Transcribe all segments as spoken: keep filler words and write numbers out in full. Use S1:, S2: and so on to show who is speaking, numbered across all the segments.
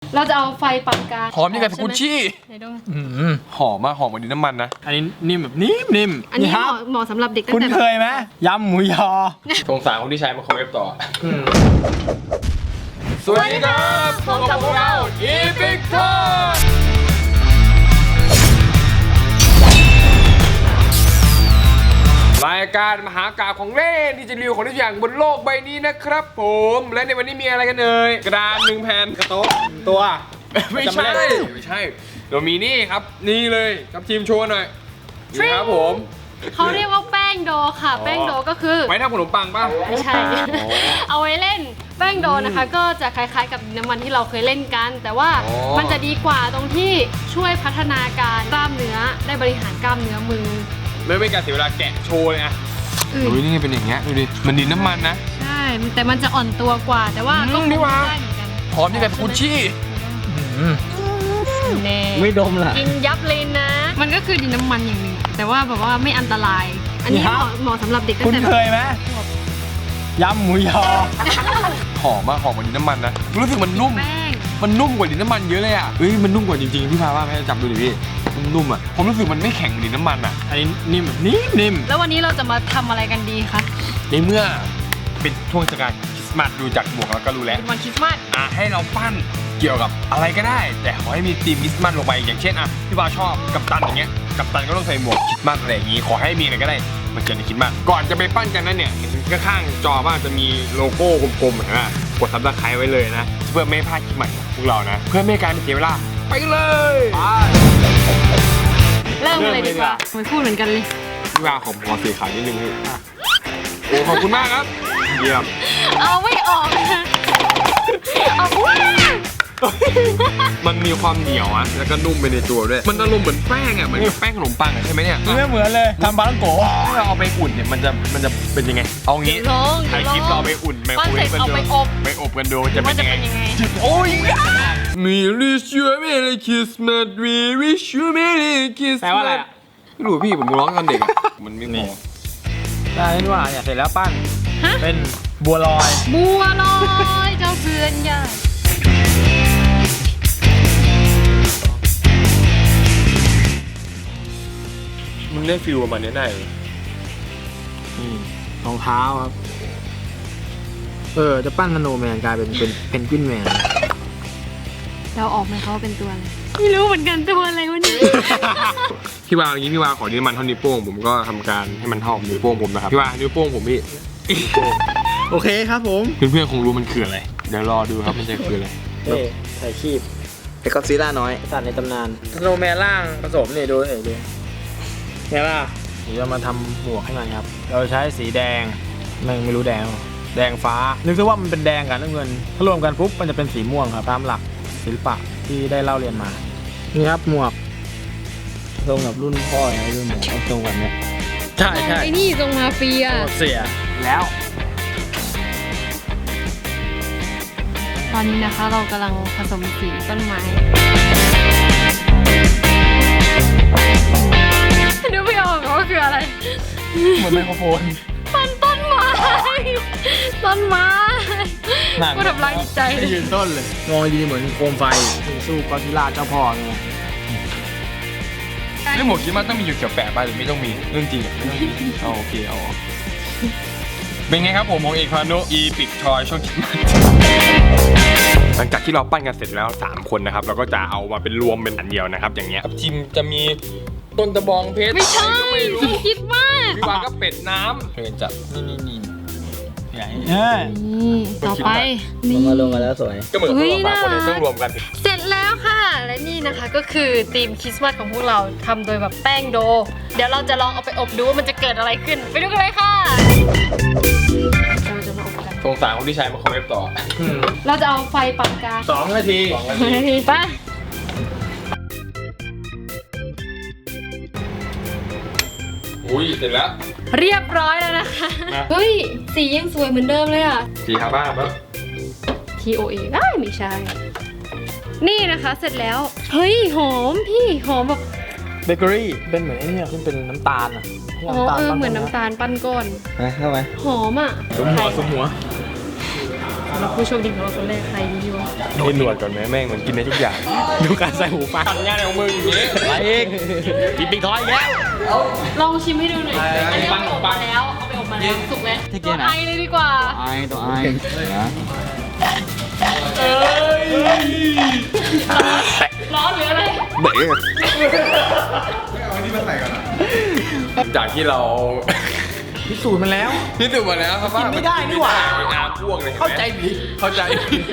S1: เราจะเอาไฟปานกลาง
S2: หอมยังไงสกุชชี่หอมมากหอมเหมือนดินน้ำมันนะอันนี้นิ่มแบบนิ่มนิ่ม
S1: อันนี้เหมาะเหมาะสำหรับเด็กตั้ง
S3: คุณ
S1: แต่
S3: เคยไหมยำหมูยอ
S2: สงสารคนที่ใช้มาคอมเวฟต่อสวัสดีครับพบกับพวกเราอีพิกทอรายการมหากาพย์ของเล่นที่จะรีวิวของทุกอย่างบนโลกใบนี้นะครับผมและในวันนี้มีอะไรกันเอ่ยกระดานหนึ่งแผ่นกระโต๊ะตัว ไม่ใช่ไม่ใช่เรามีนี่ครับนี่เลยครับทีมโชว์หน่อยนี่ครับผม
S1: เขาเรียกว่าแป้งโดค่ะแป้งโดก็คือ
S2: ไว้ทำขนมปังป่ะ
S1: ไม่ใช่ เอาไว้เล่นแป้งโดนะคะ ก็จะคล้ายๆกับน้ำมันที่เราเคยเล่นกัน แต่ว่ามันจะดีกว่าตรงที่ช่วยพัฒนาการกล้ามเนื้อได้บริหารกล้ามเนื้อมือ
S2: ไม่เป็นการเสียเวลาแกะโชว์เลยอ่ะดูนี่เป็นอย่างเงี้ยดูดิมันดินน้ำมันนะ
S1: ใช่แต่มันจะอ่อนตัวกว่าแต่ว่าก็คงได้เหมือนกัน
S2: หอมยังไงสกุชชี่
S1: แน่
S3: ไม่ดมล่ะ
S1: กินยับเลยนะ มันก็คือดินน้ำมันอย่างหนึ่งแต่ว่าแบบว่าไม่อันตราย อันนี้เหมาะเหมาะสำหรับเด็กตั้
S3: คุ
S1: ง
S3: ณ
S1: แต่
S3: เคยไหมยำหมูยอ
S2: หอมมากหอมเหมือนดินน้ำมันนะรู้สึกมันนุ่ม
S1: แป้ง
S2: มันนุ่มกว่าดินน้ำมันเยอะเลยอ่ะเฮ้ยมันนุ่มกว่าจริงๆพี่พาว่าแม่จับดูดิพี่นุ่มๆอ่ะผมรู้สึกมันไม่แข็งเหมือนดินน้ำมันอ่ะอันนี้นิ่มแบบนิ่มนิ่ม
S1: แล้ววันนี้เราจะมาทำอะไรกันดีคะ
S2: ในเมื่อเป็นช่วงเทศกาลคริสต์มาสดูจากหมวกแล้วก็รู้แล้ว
S1: เป็นวันคริสต์มาส
S2: อ่ะให้เราปั้นเกี่ยวกับอะไรก็ได้ แต่ขอให้มีธีมคริสต์มาสลงไปอย่างเช่นอ่ะพี่บาชอบกัปตันอย่างเงี้ยกัปตันก็ต้องใส่หมวกคริสต์มาสอะไรอย่างงี้ขอให้มีอะไรก็ได้มันเกิดในคริสต์มาสก่อนจะไปปั้นกันนั้นเนี่ยเห็นข้างๆจอว่าจะมีโลโก้กลมๆนะกดซับสไครต์ไว้เลยนะเพื่อไม่ให้พลาดคลิปใหม่ของพวกเรานะเพื่อไม่ให้การเสียเวลาไปเลย
S1: เริ่มเลยดีกว่าไม่พูดเหมือนกันเลย
S2: พี่บาขอขอสีขาวนิดนึงพี่โอ้ขอบคุณมากครับเยี่ยม
S1: เอาไม่ออกนะเอาว้า
S2: มันมีความเหนียวอะแล้วก็นุ่มไปในตัวด้วยมันอารมณ์เหมือนแป้งอะเหมือนแป้งขนมปังอะใช่ไหมเนี่ย
S3: ไม่เหมือนเลยทำปลาท่องโกะ
S2: ถ้าเราเอาไปอุ่นเนี่ยมันจะมันจะเป็นยังไงเอางี้
S1: ลอง
S2: ถ่ายคลิปเราเอาไปอุ่นไมโครเวฟกัน
S1: เอา
S2: ดู
S1: ไปอบ
S2: ไปอบกันดูจะเป็น
S1: จะ
S2: ยังไง
S1: เป็นยังไง
S2: โอ้ยมีลิชัวเมลี่คริสต์มาสวีวิชัวเมลี่คริสต์
S3: แปลว่าอะไรอ่ะ
S2: ไม่รู้พี่ผมร้องตอนเด็กอะมันไม่พอ
S3: ได้นี่ว่าเนี่ยเสร็จแล้วปั้นเป็นบัวลอย
S1: บัวลอยเจ้าเพื่อนใหญ่
S2: มึงได้ฟิลประมาณนี้ได้เลย
S3: นี่รองเท้าครับเออจะปั้นสโนว์แมนกลายเป็นเป็นเพนกวินแมน
S1: เราออกไหมเขาเป็นตัวอะไรไม่รู้เหมือนกันตัวอะไรวะเนี่ย
S2: พี่วาวอย่างนี้พี่วาวขอนิ้วมันเท่านิ้วโป้งผมก็ทำการให้มันเท่านิ้วโป้งผมนะครับพี่วาวนิ้วโป้งผมพี่
S3: โอเคครับผม
S2: เพื่อนๆคงรู้มันคืออะไรเดี๋ยวรอดูครับมันจะคืออะไร
S3: เอ้ถ่ายคีบไอ้ก็ซีล่าน้อยสัตว์ในตำนานสโนว์แมนล่างผสมเนี่ยดูเอ๋ดูเนี่ยล่ะเดี๋ยวจะมาทำหมวกให้มันครับเราใช้สีแดงไม่ไม่รู้แดงแดงฟ้านึกซะว่ามันเป็นแดงกับน้ำเงินถ้ารวมกันปุ๊บมันจะเป็นสีม่วงครับตามหลักศิลปะที่ได้เล่าเรียนมานี่ครับหมวกตรงกับรุ่นพ่อไงรุ่นหมวกตรงกันเนี่ยใช่ใช่
S1: ไอ้นี่ทรงมาเฟีย
S3: เสียแล้ว
S1: ตอนนี้นะคะเรากำลังผสมสีต้นไม้ดูไม่ออกว่าคืออะไร
S3: เหมือนไมโครโฟน
S1: ต้นต้นไม้ต้นไม้ก็ทำร้ายจิตใจเลย
S3: ยืนต้นเลยมองดีเหมือนโคมไฟสู้ก็อดซิลล่าเจ้าพ่อไง
S2: เรื่องหมวกคิดว่าต้องมีอยู่เกี่ยวแปะไปหรือไม่ต้องมีเรื่องจริงอ่ะไม่ต้องมีเอาโอเคเอาเป็นไงครับผมของเอกพานุอีพิกทอยช่วงคริสต์มาสหลังจากที่เราปั้นกันเสร็จแล้วสามคนนะครับเราก็จะเอามาเป็นรวมเป็นอันเดียวนะครับอย่างเงี้ยจิมจะมีต้นตะบองเพชร
S1: ไม่ใช่
S2: ไม่รู้
S1: คิดมาก
S2: พี่วานก็เป็ดน้ำเพื่อนจับนี่นี่นี่ใหญ่
S1: นี่ต่อไปนี่
S3: มาลงกันแล้วสวย
S2: ก็เหมือนพวกเราสามคนเนี่ยต้องรวมกัน
S1: เสร็จแล้วค่ะ และนี่นะคะก็คือธีมคริสต์มาสของพวกเราทำโดยแบบแป้งโด เดี๋ยวเราจะลองเอาไปอบดูว่ามันจะเกิดอะไรขึ้น ไปดูกันเลยค่ะเราจะมาอบกัน
S2: สงสารคนที่ใช้มาคอมเมนต์ต่อ
S1: เราจะเอาไฟปานกลาง
S3: สองนาที
S2: สองนาที
S1: ไป
S2: อุ้ยเสร็จแล้ว
S1: เรียบร้อยแล้วนะคะ
S2: นะ
S1: เฮ้ยสียังสวยเหมือนเดิมเลยอ่ะ
S2: สีครับบ้าครับ
S1: T O A ได้ไม่ใช่ นี่นะคะเสร็จแล้ว เฮ้ยหอมพี่หอมแบบ
S3: เบเกอรี่เป็นเหมือนไอ้เนี่ยที่เป็นน้ำตาลอ่ะ
S1: อ๋อเออเหมือนน้ำตาลปั้นก้อน
S3: นะเข้าไหม
S1: หอมอ่ะ
S3: สมหัวสมหัว
S1: รับผู้โชคดีของเราคนแรกใครดีวะ
S2: ให้หนวดก่อนไหมแม่งมันกินได้ทุกอย่าง
S3: ดูการใส่หูฟัง
S2: ทำงานของมึงอย่างนี้
S3: อะไรอีกกินปิงทอยอีกแล้ว
S1: ลองชิมให้ดูหน่อย
S3: เอออั
S1: อันนี้เอาไปอบ
S2: ปั
S1: มาง แล้วเอาไปอบมาแล้วสุกแล้ว
S3: ที่เก
S1: ตัว
S3: ณฑ์ไหน
S1: ไอเลยดีกว่า
S3: ไอตัวไอนะ
S1: เอ้ยร้อนหรืออะไร
S3: เบ๊ะ
S2: จากที่เรา
S3: พิสูจน์มันแล้ว
S2: พิสูจน์มาแล้วครับว่า
S3: กินไม่ได้นี่หว่า
S2: กินไม่ได้พวกเลยห็นไหม
S3: เข้าใจผิด
S2: เข้าใจผิด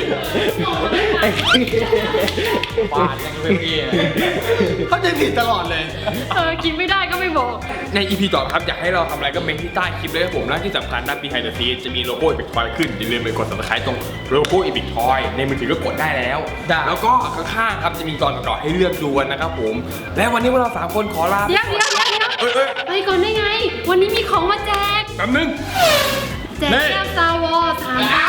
S3: บาดยังเป็นพี่เข้าใจผิดตลอดเลย
S1: เออกินไม่ได้ก็ไม่บอก
S2: ใน อี พี ต่อครับอยากให้เราทำอะไรก็เมนที่ใต้คลิปเลยครับผมและที่สำคัญนะ Behind the Scene จะมีโลโก้อีพิกทอยขึ้นอย่าลืมไปกด Subscribe ตรงโลโก้อีพิกทอยในมือถือก็กดได้แล้ว
S3: ได้
S2: แล้วก็ข้างๆครับจะมีตอนต่อๆให้เลือกดูกันนะครับผม และวันนี้พวกเราสามคนขอลา
S1: เดี๋ยวเดี๋ยวเดี๋ยวเดี๋ยว
S2: เอ้ยเอ้ย
S1: ไปก่อนได้ไง วันนี้มีของมาแจก
S2: แป๊บนึง
S1: แจกแก้วซาวอสามใบ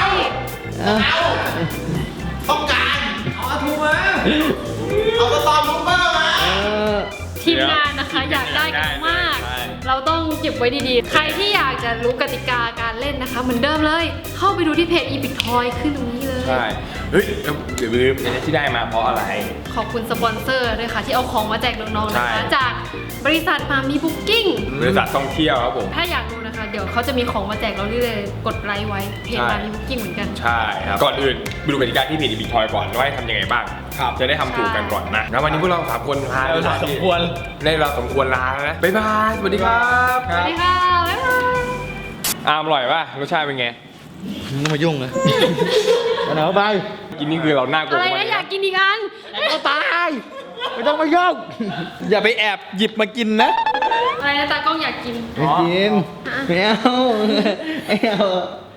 S3: ต้องการ เอาอาทูมา เอาสตอมลูเปอร์มา
S1: ทีมงานนะคะอยากได้กันมาก
S2: ใช่
S1: เราต้องเก็บไว้ดีๆ ใครที่อยากจะรู้กติกาการเล่นนะคะ เหมือนเดิมเลย เข้าไปดูที่เพจ Epic Toy ขึ้นตรงนี้เลย
S2: ใช่ เฮ้ยแล้วเดี๋ยวลืมอันนี้ที่ได้มาเพราะอะไร
S1: ขอบคุณสปอนเซอร์ด้วยค่ะ ที่เอาของมาแจกน้องๆนะคะ
S2: ใช่
S1: จากบริษัทมามีบุ๊กิ้ง
S2: บริษัทท่องเที่ยวครับผม
S1: ถ้าอยากดูนะคะ เดี๋ยวเขาจะมีของมาแจกเราเรื่อยๆกดไลค์ไว้เพจ
S2: ใช่
S1: มามีบุ๊กิ้งเหมือนกัน
S2: ใช่ครับ ก่อนอื่นไปดูกติกาที่เพจอีพิกทอยก่อนว่าให้ทำยังไงบ้าง
S3: ครับ
S2: จะได้ทำถูกกันก่อนนะ แล้ววันนี้พวกเราสามคนลา
S3: เวลาสมควร
S2: ได้เราสมควรลาแล้วนะ บ๊ายบาย สวัสดีครับ
S1: สวัสดีค่ะ บ๊ายบาย
S2: อามอร่อยป่ะ รสชาติเป็นไง
S3: มึงมายุ่งเลยมาไหนไป
S2: กินนี่คือเราหน้าโกง
S1: อะไร
S2: มา
S1: นะ
S2: ก
S1: อยากกินอีกอัน
S3: ก็ตาย ไม่ต้องมายุ่ง อย่าไปแอบหยิบมากินนะ
S1: อะไรนะตากล้องอยากกิน
S3: ไม่กิน ไม่เอา ไม่เอา